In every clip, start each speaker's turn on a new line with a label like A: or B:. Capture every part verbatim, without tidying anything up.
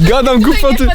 A: Gadam głupoty.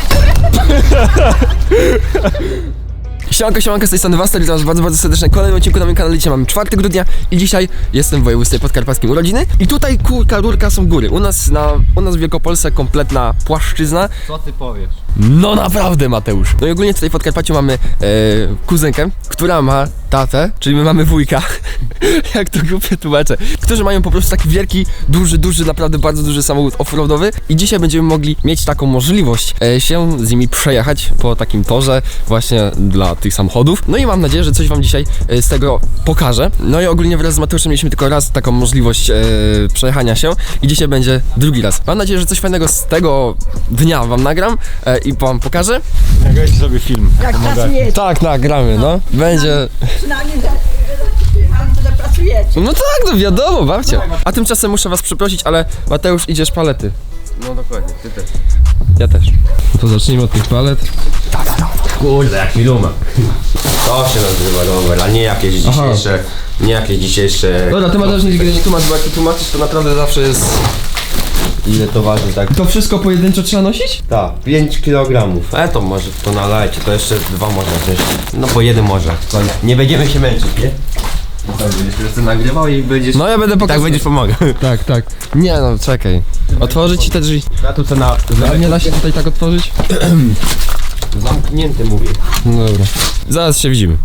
A: Siemanko, siemanko, z tej strony Wastel, witam was bardzo, bardzo serdecznie w kolejnym odcinku na moim kanale. Dzisiaj mamy czwartego grudnia i dzisiaj jestem w województwie podkarpackim urodziny. I tutaj kurka, rurka są góry. U nas na, u nas w Wielkopolsce kompletna płaszczyzna.
B: Co ty powiesz?
A: No naprawdę, Mateusz. No i ogólnie tutaj w Podkarpaciu mamy e, kuzynkę, która ma tatę, czyli my mamy wujka, jak to głupie tłumaczę, którzy mają po prostu taki wielki, duży, duży, naprawdę bardzo duży samochód offroadowy i dzisiaj będziemy mogli mieć taką możliwość e, się z nimi przejechać po takim torze właśnie dla tych samochodów. No i mam nadzieję, że coś wam dzisiaj e, z tego pokażę. No i ogólnie wraz z Mateuszem mieliśmy tylko raz taką możliwość e, przejechania się i dzisiaj będzie drugi raz. Mam nadzieję, że coś fajnego z tego dnia wam nagram e, i wam pokażę.
B: Nagrajcie sobie film.
C: Jak pracujecie?
A: Tak, nagramy, no. Będzie...
C: Przynajmniej, że, że, że pracujecie.
A: No tak, no wiadomo, babcia. A tymczasem muszę was przeprosić, ale Mateusz, idziesz palety.
B: No dokładnie, ty też.
A: Ja też. To zacznijmy od tych palet.
B: Kurde, jaki lumak. To się nazywa rower, a nie jakieś dzisiejsze, nie jakieś dzisiejsze...
A: Dobra, ty Mateusz nigdy nie tłumacz, bo jak ty tłumaczysz, to naprawdę zawsze jest...
B: Ile to waży, tak?
A: To wszystko pojedynczo trzeba nosić?
B: Tak, pięć kilogramów. E to może to nalejcie, to jeszcze dwa można wziąć. No bo jeden może. To nie będziemy się męczyć, nie? No tak, będziesz po prostu nagrywał i będziesz...
A: No ja będę
B: tak
A: pokazał.
B: będziesz pomagał.
A: Tak, tak. Nie no, czekaj. Otworzyć ci te drzwi.
B: Ja tu co na...
A: A nie da się tutaj tak otworzyć?
B: Zamknięty mówię.
A: No dobra. Zaraz się widzimy.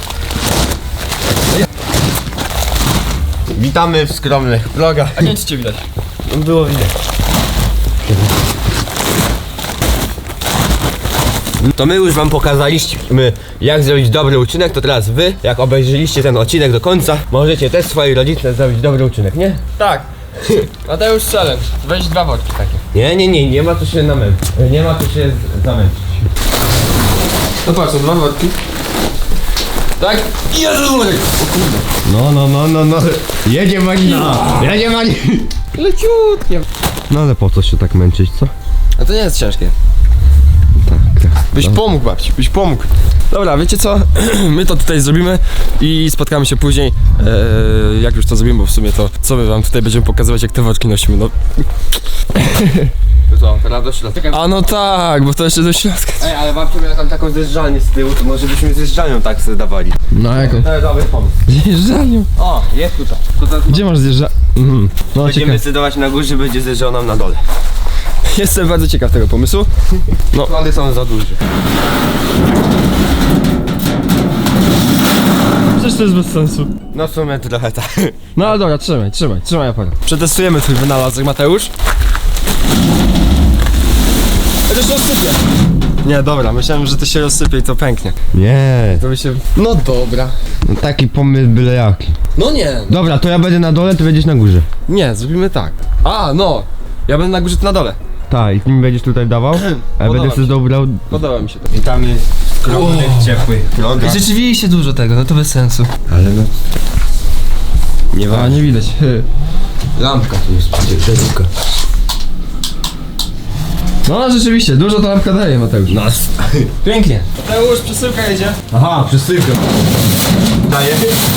B: Witamy w skromnych vlogach.
A: A nie wiem, czy cię widać.
B: Było widać. To my już wam pokazaliśmy, jak zrobić dobry uczynek, to teraz wy, jak obejrzyliście ten odcinek do końca, możecie też swojej rodzinie zrobić dobry uczynek, nie?
A: Tak. Mateusz challenge. Weź dwa worki takie.
B: Nie, nie, nie, nie ma tu się namęczyć. Nie ma tu się z- zamęczyć.
A: No patrz, są dwa worki. Tak? Jezu, worek! O kurde.
B: No, no, no, no, no. Jedzie Magina! Jedzie Magina!
A: Leciutkie.
B: No ale po co się tak męczyć, co?
A: A to nie jest ciężkie.
B: Tak, tak.
A: Byś pomógł, babci, byś pomógł. Dobra, wiecie co? My to tutaj zrobimy i spotkamy się później, eee, jak już to zrobimy, bo w sumie to co my wam tutaj będziemy pokazywać, jak te worki nosimy, no.
B: Co, teraz do środka.
A: A no tak, bo to jeszcze do środka.
B: Ej, ale babcia miała tam taką zjeżdżalnię z tyłu, to może byśmy zjeżdżalnią tak sobie dawali.
A: No jaką?
B: To jest dobry pomysł.
A: Zjeżdżalnią.
B: O, jest tutaj. tutaj
A: Gdzie masz zjeżdża... Mhm. No
B: Będziemy
A: ciekawe.
B: decydować na górze, będzie zjeżdżał nam na dole.
A: Jestem bardzo ciekaw tego pomysłu. No.
B: Plany są za duże.
A: Przecież to jest bez sensu.
B: No w sumie trochę tak.
A: No ale dobra, trzymaj, trzymaj, trzymaj aparat. Przetestujemy twój wynalazek, Mateusz. Chociaż rozsypie. Nie, dobra, myślałem, że to się rozsypie i to pęknie.
B: Nie.
A: To by się... No dobra.
B: No taki pomysł byle jaki.
A: No nie.
B: Dobra, to ja będę na dole, ty będziesz na górze.
A: Nie, zrobimy tak. A, no. Ja będę na górze, ty na dole.
B: Tak, i ty mi będziesz tutaj dawał, a ja
A: Podoba
B: będę
A: mi
B: sobie
A: się.
B: dobrał.
A: Podoba mi się to.
B: Witamy w skromnych, ciepłych vlogach.
A: Rzeczywiście dużo tego, no to bez sensu.
B: Ale no... Nie
A: A,
B: ma.
A: nie widać.
B: Lampka tu jest przecież, żelówka.
A: No rzeczywiście, dużo ta lampka daje, Mateusz.
B: Nas.
A: Pięknie. Mateusz, przesyłka jedzie.
B: Aha, przesyłka. Daję.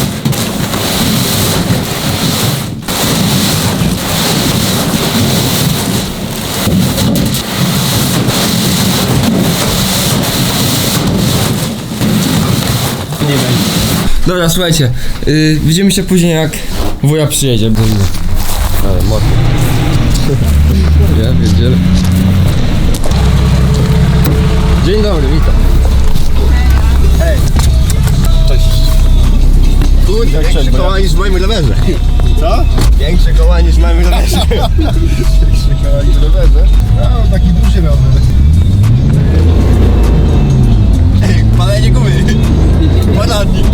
A: Nie będzie. Dobra, słuchajcie, yy, widzimy się później, jak wuja przyjedzie.
B: Ale mocno.
A: Ja wiedziałem. Dzień dobry, witam.
B: Większe koła niż w moim rowerze. Co? Większe koła niż w moim rowerze. Większe koła niż w rowerze? No, taki duży rower. Ej, palenie gumy. Poradnik.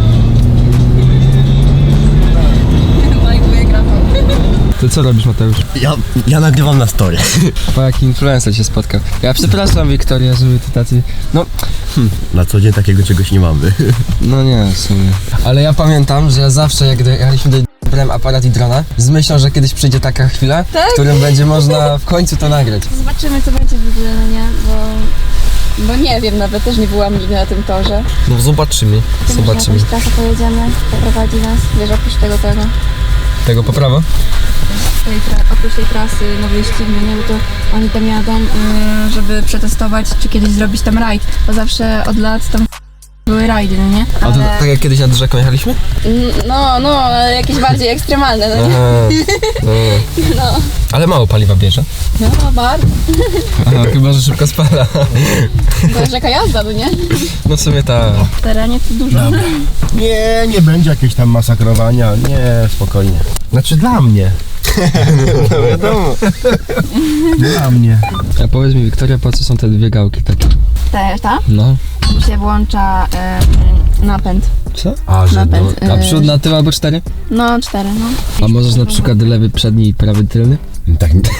A: To co robisz, Mateusz?
B: Ja, ja nagrywam na story.
A: Po jaki influencer się spotkał. Ja przepraszam, Wiktoria, żeby ty tacy... No,
B: Na co dzień takiego czegoś nie mamy.
A: no nie, w sumie. Ale ja pamiętam, że ja zawsze, jak jechaliśmy do... brałem aparat i drona z myślą, że kiedyś przyjdzie taka chwila,
D: Tak?
A: w którym będzie można w końcu to nagrać.
D: Zobaczymy, co będzie w ogóle, no nie? Bo, bo nie wiem, nawet też nie byłam nigdy na tym torze.
A: No zobaczymy,
D: Tym, że
A: zobaczymy.
D: jakąś trasę pojedziemy, poprowadzi nas, wiesz, oprócz tego tego.
A: Tego po prawo?
D: tej tra- oprócz tej trasy no wyścig, no nie, bo to oni tam jadą, yy, żeby przetestować, czy kiedyś zrobić tam rajd, bo zawsze od lat tam były rajdy, no nie?
A: A to
D: Ale,
A: tak jak kiedyś nad rzeką jechaliśmy?
D: N- no, no, ale jakieś bardziej ekstremalne, no nie?
A: Aha, no.
D: No,
A: Ale mało paliwa bierze.
D: no bardzo.
A: Aha, chyba, że szybko spala.
D: To jest jaka jazda, no nie?
A: No w sumie ta...
D: W terenie to dużo.
E: Nie, nie będzie jakiegoś tam masakrowania, nie, spokojnie. Znaczy dla mnie.
A: No wiadomo.
E: Dla mnie.
A: A powiedz mi, Wiktoria, po co są te dwie gałki takie?
D: Ta, ta?
A: No.
D: Tu się włącza yy, napęd.
A: Co?
E: A, że
D: Napęd.
A: A
D: yy,
A: przód na tył albo cztery?
D: No, cztery, no.
A: A możesz na przykład lewy przedni i prawy tylny?
E: no, tak nie.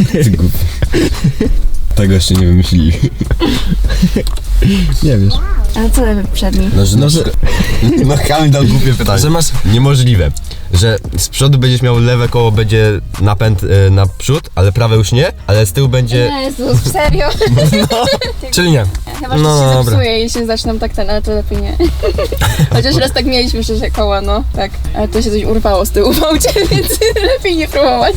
E: Tego jeszcze nie wymyślili.
A: Nie wiesz.
D: Ale co lewy przedni?
B: No, że,
A: No, że,
E: No Kamil dał głupie pytanie.
A: że masz...
B: Niemożliwe, że z przodu będziesz miał lewe koło, będzie napęd e, na przód, ale prawe już nie, ale z tyłu będzie...
D: Jezus, serio?
A: Czyli nie.
D: Chyba, że
A: No,
D: się
A: dobra.
D: zepsuje i się zaczną tak ten, ale to lepiej nie. Chociaż raz tak mieliśmy, że koła, no, tak. Ale to się coś urwało z tyłu w aucie, więc lepiej nie próbować.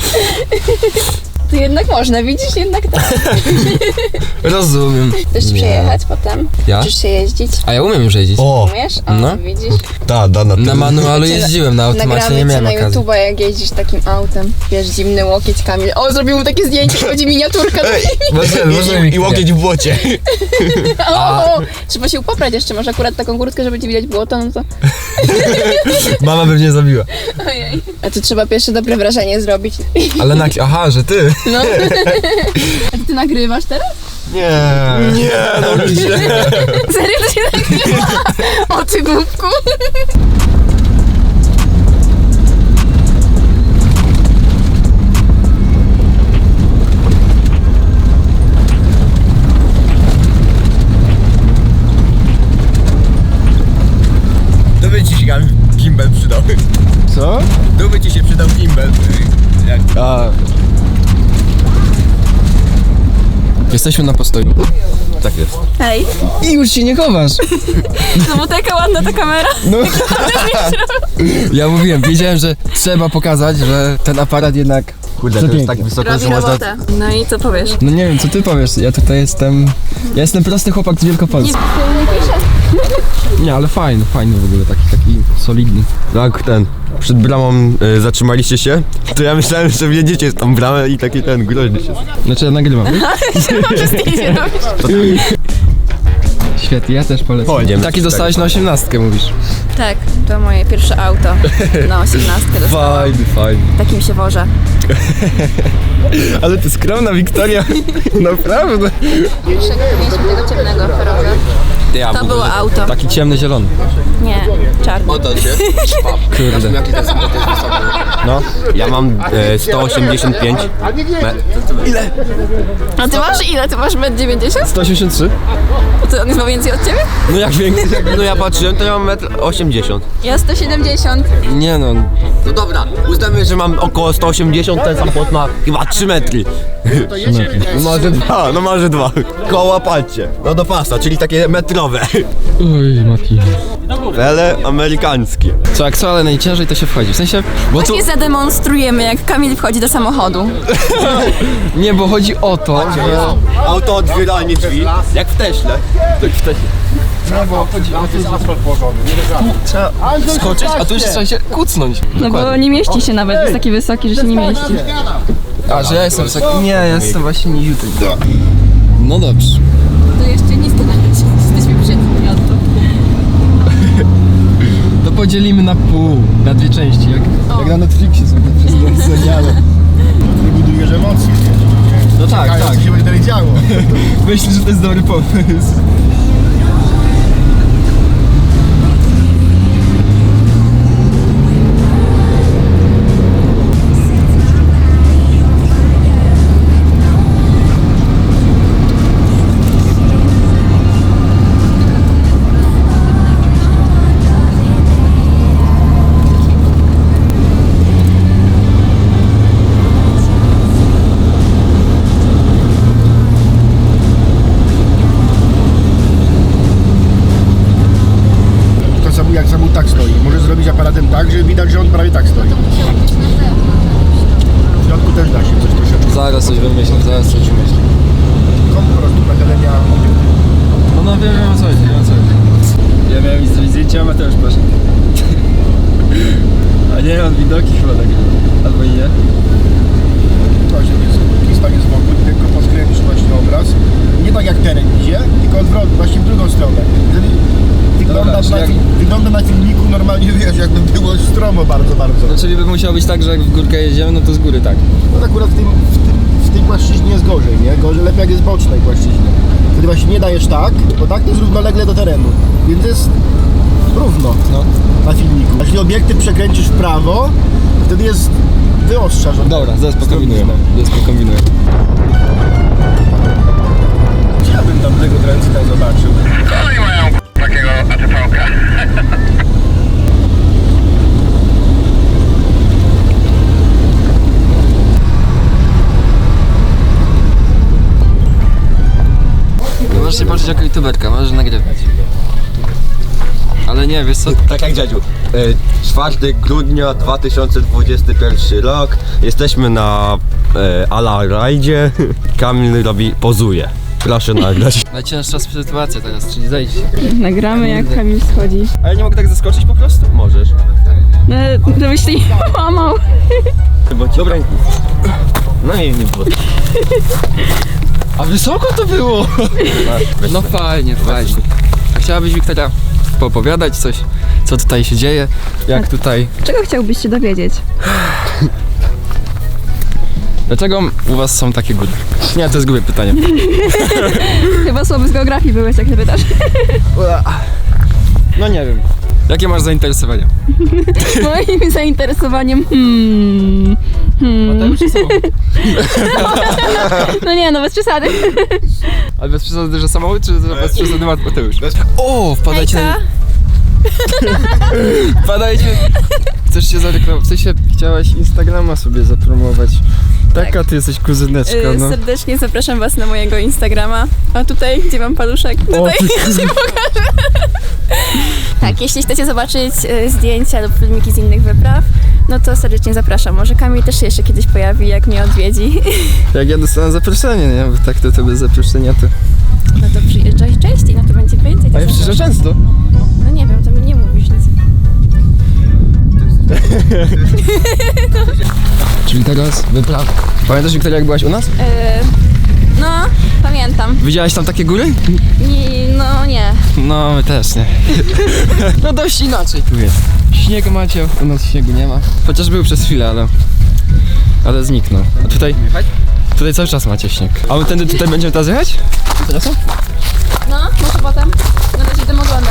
D: To jednak można, widzisz, jednak tak.
A: Rozumiem.
D: Chcesz przejechać potem?
A: Ja?
D: Chcesz się jeździć?
A: A ja umiem już jeździć.
B: O,
D: Umiesz? O,
A: No.
D: widzisz?
B: ta, da, na
A: Na
B: tył.
A: manualu jeździłem, na automacie
D: Nagramy
A: nie
D: cię
A: miałem
D: na
A: okazji.
D: YouTube'a, jak jeździsz takim autem. Wiesz, zimny łokieć, Kamil. O, zrobił mu takie zdjęcie, chodzi miniaturka.
B: Ej,
A: Możemy, możemy.
B: i, i łokieć w błocie.
D: O, trzeba się upoprać jeszcze, może akurat taką kurtkę, żeby ci widać błoto, no to...
A: Mama by mnie zabiła.
D: Ojej. A tu trzeba pierwsze dobre wrażenie zrobić.
A: Ale na... Aha, że ty.
D: No. A ty nagrywasz teraz?
B: Nie. Nie, no nie.
D: Serio to się nagrywa? O ty głupku.
B: To by ci się gimbal przydał.
A: Co?
B: To by ci się przydał gimbal. Jak...
A: A. Jesteśmy na postoju.
B: Tak jest.
D: Hej.
A: I już się nie chowasz.
D: No bo taka ładna ta kamera.
A: No. Ja mówiłem, wiedziałem, że trzeba pokazać, że ten aparat jednak...
B: Kurde, to jest tak wysoko, że można...
D: No i co powiesz?
A: No nie wiem, co ty powiesz, ja tutaj jestem... Ja jestem prosty chłopak z Wielkopolski.
D: Nie piszę.
A: Nie, ale fajny, fajny w ogóle, taki, taki solidny.
B: Tak, ten, przed bramą y, zatrzymaliście się, to ja myślałem, że wjedziecie z tą bramę i taki ten groźny się.
A: Znaczy ja nagrywam.
D: Może zdjęcie robić.
A: Świetnie, ja też polecam.
B: Pojedziemy.
A: Taki dostałeś na osiemnastkę, mówisz.
D: Tak, to moje pierwsze auto na osiemnastkę dostałam.
A: Fajny, fajny.
D: Takim się wożę.
A: Ale ty skromna Wiktoria, naprawdę.
D: Pierwszego to mieliśmy tego ciemnego Ferrara.
A: Ja,
D: To było auto.
A: Taki ciemny, zielony.
D: Nie, czarny.
A: Kurde.
B: No, ja mam e, sto osiemdziesiąt pięć. Me-
D: A ty masz ile? Ty masz metr dziewięćdziesiąt?
A: sto osiemdziesiąt trzy?
D: To on jest ma więcej od ciebie?
A: No jak większy?
B: No ja patrzyłem, to ja mam metr osiemdziesiąt.
D: Ja sto siedemdziesiąt.
A: Nie no,
B: No dobra, uznamy, że mam około sto osiemdziesiąt, ten samochód ma chyba trzy metry. No może dwa, no może dwa. Koła patrzcie, no do pasa, czyli takie metrowe.
A: oj Mati.
B: Ale amerykańskie.
A: Co, jak co, ale najciężej to się wchodzi, w sensie, bo to,
D: Właśnie zademonstrujemy, jak Kamil wchodzi do samochodu.
A: nie, bo chodzi o to, że...
B: Auto otwieranie drzwi, jak w Teśle.
A: Tak w tesie. No bo chodzi o to, że trzeba skoczyć, a tu jeszcze trzeba się kucnąć.
D: No bo nie mieści się nawet, jest taki wysoki, że się nie mieści.
A: A, że ja jestem wysoki? Nie, ja jestem właśnie nie YouTube. No dobrze.
D: To jeszcze nisko nawet, jesteśmy przed miasto.
A: To podzielimy na pół, na dwie części, jak, jak na Netflixie są te wszystkie seriale.
E: Budujesz emocje, nie?
A: No tak,
E: Tak,
A: tak.
E: co się będzie dalej działo.
A: Myślę, że to jest dobry pomysł. Siema Mateusz, proszę. A nie, on widoki chyba tak. Albo i nie.
E: Właśnie jest kista jest wokół, tylko poskręcisz właśnie obraz. Nie tak jak teren idzie, tylko odwrotnie, właśnie w drugą stronę. Wtedy wygląda,
A: Dobra,
E: na,
A: jak-
E: wygląda na filmiku normalnie, wiesz, jakby było stromo bardzo, bardzo.
A: No czyli by musiało być tak, że jak w górkę jedziemy, no to z góry tak.
E: No akurat w, tym, w, tym, w tej płaszczyźnie jest gorzej, nie? Gorzej, lepiej jak jest bocznej płaszczyźnie. Wtedy właśnie nie dajesz tak, bo tak to jest równolegle do terenu. Więc jest równo
A: No.
E: na filmiku. Jeśli obiektyw przekręcisz w prawo, wtedy jest wyostrzasz.
A: Dobra, zaraz pokombinujemy. Zaraz pokombinujemy.
E: Chciałbym tam tego tranzyta zobaczył.
F: Oni mają takiego A T V-ka.
A: No możesz się patrzeć jako youtuberka, możesz nagrywać. Ale nie, wiesz co?
B: Tak jak dziadziu. E, czwartego grudnia dwa tysiące dwudziesty pierwszy rok. Jesteśmy na e, Ala rajdzie. Kamil robi, pozuje. Proszę nagrać.
A: Najcięższa sytuacja teraz, czyli zejść.
D: Nagramy jak Kamil schodzi.
A: A ja nie mogę tak zaskoczyć po prostu?
B: Możesz.
D: No, żebyś się nie połamał.
B: Chyba ci ręku. No i nie było.
A: A wysoko to było! No fajnie, fajnie. A chciałabyś, Wiktoria, poopowiadać coś, co tutaj się dzieje, jak tutaj...
D: Czego chciałbyś się dowiedzieć?
A: Dlaczego u was są takie góry? Nie, to jest głupie pytanie.
D: Chyba słaby z geografii byłeś, jak się pytasz.
A: No nie wiem. Jakie masz zainteresowania?
D: Moim zainteresowaniem hmm, hmm.
A: Mateusz czy samochód?
D: No nie, no bez przesady.
A: Ale bez przesady, że samochód, czy bez przesady Mateusz? O, wpadajcie na... Wpadajcie! Chcesz się zareklamować? W sensie chciałaś Instagrama sobie zapromować. Taka ty jesteś kuzyneczka, no.
D: Serdecznie zapraszam was na mojego Instagrama. A tutaj, gdzie mam paluszek? Tutaj się pokażę. Tak, jeśli chcecie zobaczyć y, zdjęcia lub filmiki z innych wypraw, no to serdecznie zapraszam. Może Kamil też się jeszcze kiedyś pojawi, jak mnie odwiedzi.
A: Jak ja dostanę zaproszenie, nie? Bo tak to to bez zaproszenia to...
D: No to przyjeżdżaj częściej, no to będzie więcej.
A: A
D: tak
A: ja przyjeżdżam
D: zapraszam.
A: często.
D: No nie wiem, to mi nie mówisz nic.
A: Czyli teraz wyprawa. Pamiętasz, Wiktoria, jak byłaś u nas?
D: Yy, no, pamiętam.
A: Widziałaś tam takie góry?
D: Nie, no nie.
A: No, my też nie. No dość inaczej tu jest. Śnieg macie, u nas śniegu nie ma. Chociaż był przez chwilę, ale... Ale zniknął. A tutaj... Tutaj cały czas macie śnieg. A my tędy tutaj będziemy teraz jechać? Teraz?
D: No, może potem. Na razie idę oglądać.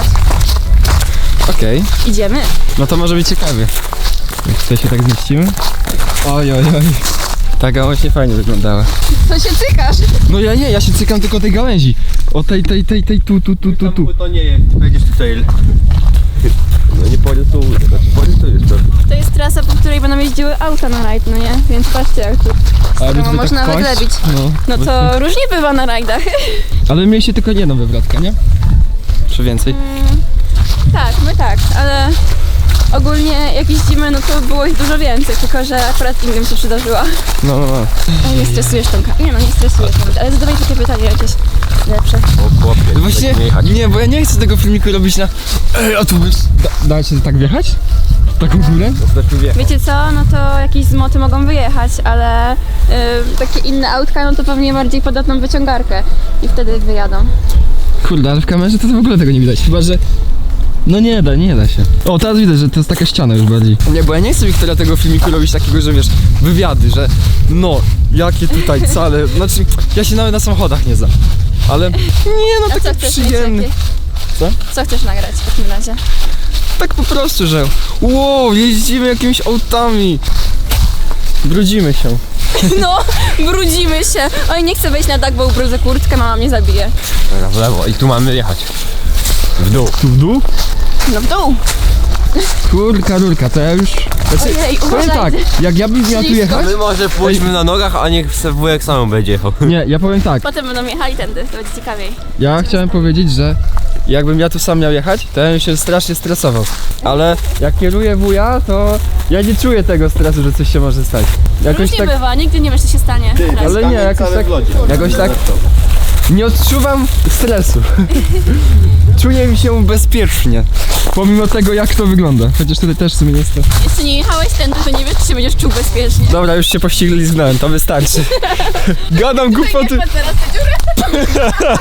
A: Okej.
D: Idziemy.
A: No to może być ciekawie. Jak tutaj się tak zmieścimy? Oj, oj, oj. Ta gałąź nie fajnie wyglądała.
D: Co się cykasz?
A: No ja nie, ja się cykam tylko tej gałęzi. O tej, tej, tej, tej, tu, tu, tu, tu, tu.
B: To nie jest, będziesz tutaj... No nie porysuję, znaczy porysujesz pewnie.
D: To jest trasa, po której będą jeździły auta na rajd, no nie? Więc patrzcie jak tu.
A: Ale
D: No,
A: tutaj
D: można nawet
A: kłaść?
D: lebić.
A: No.
D: No to różnie bywa na rajdach.
A: Ale mieliście tylko jedną wywrotkę, nie? Czy więcej?
D: Tak, my tak, ale ogólnie jak jeździmy, no to było ich dużo więcej, tylko że akurat innym się przydarzyła.
A: No, no, no.
D: Ale nie stresujesz Tomka. Nie no, nie stresujesz nawet, ale zadawaj takie pytanie jakieś lepsze.
B: O chłopie,
A: No właśnie,
B: tak nie jechać.
A: nie, bo ja nie chcę tego filmiku robić na... Ej, a tu byś... Da, da się tak wjechać? W taką górę?
B: Znaczy wie.
D: Wiecie co, no to jakieś zmoty mogą wyjechać, ale y, takie inne autka, no to pewnie bardziej podatną wyciągarkę i wtedy wyjadą.
A: Kurde, ale w kamerze to, to w ogóle tego nie widać, chyba że... No nie da, nie da się. O, teraz widać, że to jest taka ściana już bardziej. Nie, bo ja nie chcę, Wiktoria, tego filmiku robić takiego, że wiesz, wywiady, że no, jakie tutaj cale, znaczy, ja się nawet na samochodach nie znam, ale nie, no
D: A co
A: taki
D: chcesz
A: przyjemny.
D: mieć
A: Co?
D: Co chcesz nagrać w takim razie?
A: Tak po prostu, że wow, jeździmy jakimiś autami. Brudzimy się.
D: No, brudzimy się. Oj, nie chcę wejść na dach, bo ubrudzę kurtkę, mama mnie zabije.
B: Dobra, w lewo i tu mamy jechać. W dół.
A: Tu w dół?
D: No w dół.
A: Kurka, rurka, to ja już... Znaczy,
D: Ojej,
A: powiem
D: uważaj.
A: tak, jak ja bym miał tu
D: Ślisko.
A: jechać...
B: My może pójdźmy na nogach, a niech se wujek sam będzie jechał.
A: Nie, ja powiem tak,
D: Potem będą jechali tędy, to będzie ciekawiej.
A: ja chciałem powiedzieć, że jakbym ja tu sam miał jechać, to ja bym się strasznie stresował. Ale jak kieruję wuja, to ja nie czuję tego stresu, że coś się może stać. Jakoś
D: Różnie
A: tak,
D: bywa, nigdy nie wiesz, co się stanie. Teraz.
A: ale nie, jakoś tak, jakoś tak nie odczuwam stresu. Czuję mi się bezpiecznie. Pomimo tego, jak to wygląda. Chociaż tutaj też w sumie jest to.
D: Jeszcze nie jechałeś tędy, to nie wiesz, czy się będziesz czuł bezpiecznie.
A: Dobra, już się pościgliznąłem, to wystarczy. Gadam głupoty.
D: Patrz teraz tę dziurę.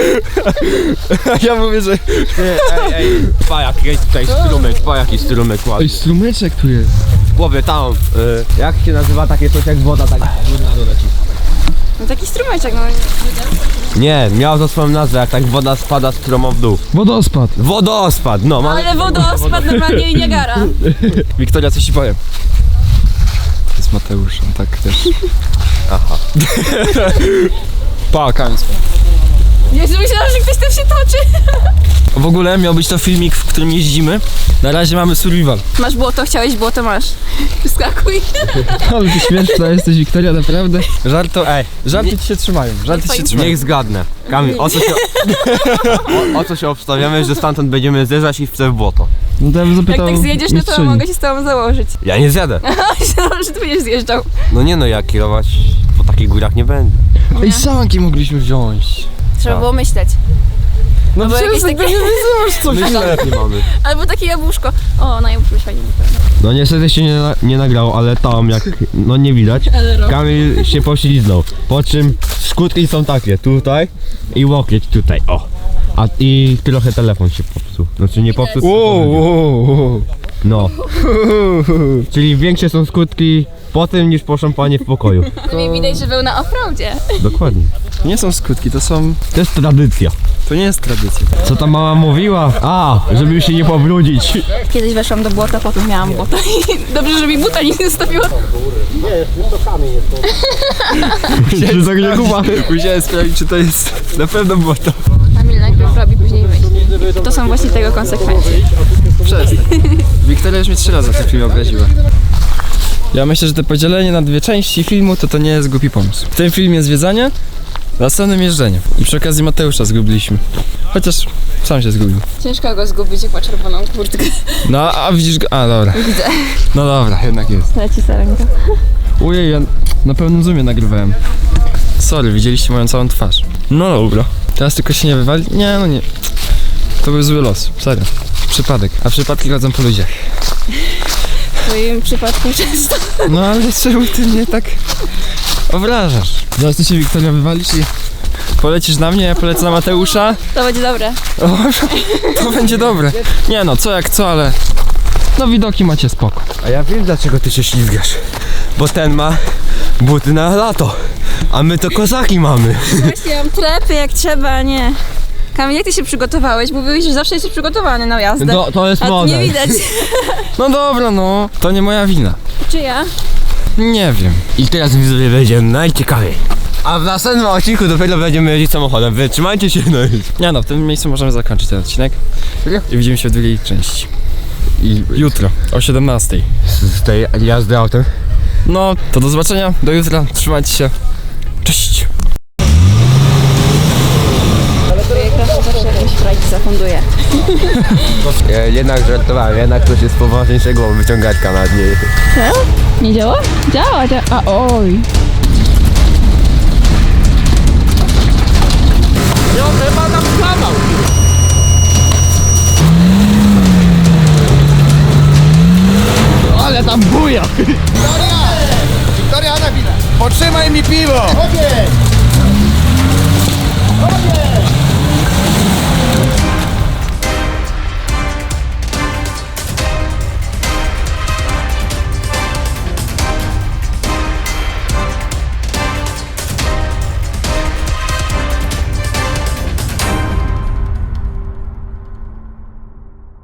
A: Ja mówię, że...
B: Ej, ej, pa jaki tutaj strumyk, pa jaki strumyk ładny.
A: Oj, strumyczek tu jest.
B: W głowie tam, y, jak się nazywa takie coś jak woda, tak górna doleci.
D: No taki strumyczek, no.
B: Nie, miał to swoją nazwę, jak tak woda spada stromą w dół.
A: Wodospad.
B: Wodospad, no mamy...
D: Ale wodospad normalnie i Niagara.
A: Wiktoria, coś ci powiem. To jest Mateusz, on tak też.
B: Aha.
A: Pa, kamień.
D: Jezu, myślałam, że ktoś tam się toczy.
A: W ogóle miał być to filmik, w którym jeździmy. Na razie mamy survival.
D: Masz błoto, chciałeś błoto, masz. Wskakuj.
A: Ale ty śmieszna jesteś, Wiktoria, naprawdę. Żarto, ej, żarty ci się trzymają, żarty ci się trzymają.
B: Niech zgadnę. Kamil, o co się... O, o co się obstawiamy, że stamtąd będziemy zjeżdżać i w w błoto?
A: No to ja bym
D: Jak
A: zapytał
D: tak zjedziesz, no to
A: mistrzyni.
D: mogę się z tobą założyć.
B: Ja nie zjadę.
D: Myślałam, że ty będziesz zjeżdżał.
B: No nie no, ja kierować po takich górach nie będę.
A: Ej, sanki mogliśmy wziąć.
D: Trzeba było myśleć.
A: No
D: bo jakieś takie...
A: coś.
B: Myślę, nie mamy.
D: Albo takie jabłuszko. O, na jabłuszko fajnie wygląda.
B: No niestety się nie, na, nie nagrało, ale tam jak no nie widać, Kamil się pośliznął. Po czym skutki są takie, tutaj i łokieć tutaj, o. A i trochę telefon się popsuł. Znaczy nie popsuł,
A: Wow, wow, wow.
B: no. Czyli większe są skutki po tym niż po szampanie w pokoju.
D: No mi widać, że był na offroadzie.
B: Dokładnie.
A: To nie są skutki, to są...
B: To jest tradycja.
A: To nie jest tradycja.
B: Co ta mama mówiła? A, żeby się nie pobrudzić.
D: Kiedyś weszłam do błota, potem miałam błota. Dobrze, że mi buta nie zostawiła.
B: Czy tak nie kupa?
A: Musiałem sprawdzić, czy to jest na pewno błoto.
D: Kamil najpierw robi, później myśli. To są właśnie tego konsekwencje.
A: Przestań. Wiktoria już mnie trzy razy w tym filmie obraziła. Ja myślę, że to podzielenie na dwie części filmu to to nie jest głupi pomysł. W tym filmie zwiedzanie, w następnym jeżdżenie. I przy okazji Mateusza zgubiliśmy. Chociaż sam się zgubił.
D: Ciężko go zgubić, jak ma czerwoną kurtkę.
A: No, a widzisz go? A, dobra.
D: Widzę.
A: No dobra, jednak jest.
D: Leci sarenka.
A: Ujej, ja na pełnym zoomie nagrywałem. Sorry, widzieliście moją całą twarz. No dobra. Teraz tylko się nie wywali? Nie, no nie. To był zły los, serio. Przypadek. A przypadki chodzą po ludziach.
D: W twoim przypadku często.
A: No ale czemu ty mnie tak obrażasz? Zaraz ty się, Wiktoria, wywalisz i polecisz na mnie, ja polecę na Mateusza.
D: To będzie dobre.
A: O, to będzie dobre. Nie no, co jak co, ale no widoki macie spoko.
B: A ja wiem dlaczego ty się ślizgasz. Bo ten ma buty na lato, a my to kozaki mamy.
D: Właśnie mam trepy jak trzeba, nie. Kamil, jak ty się przygotowałeś? Mówiłeś, że zawsze jesteś przygotowany na jazdę.
B: To, to jest
D: A tu nie
B: model.
D: widać.
A: No dobra, no, to nie moja wina.
D: Czy ja?
A: Nie wiem.
B: I teraz widzowie będzie najciekawiej. A w następnym odcinku dopiero będziemy jeździć samochodem. Wytrzymajcie się, no i...
A: Nie no, w tym miejscu możemy zakończyć ten odcinek. I widzimy się w drugiej części.
B: I
A: Jutro, o siedemnastej.
B: z tej jazdy autem.
A: No, to do zobaczenia, do jutra, trzymajcie się. Cześć!
D: Zawsze jakieś frajki zafunduje.
B: Ja jednak żartowałem, jednak coś jest poważniejszego, bo wyciągaczka nad niej.
D: Nie działa? Działa, działa. A oj.
B: No chyba tam kawał.
E: Ale tam buja! Wiktoria! Wiktoria, na chwilę! Potrzymaj mi piwo! Okej!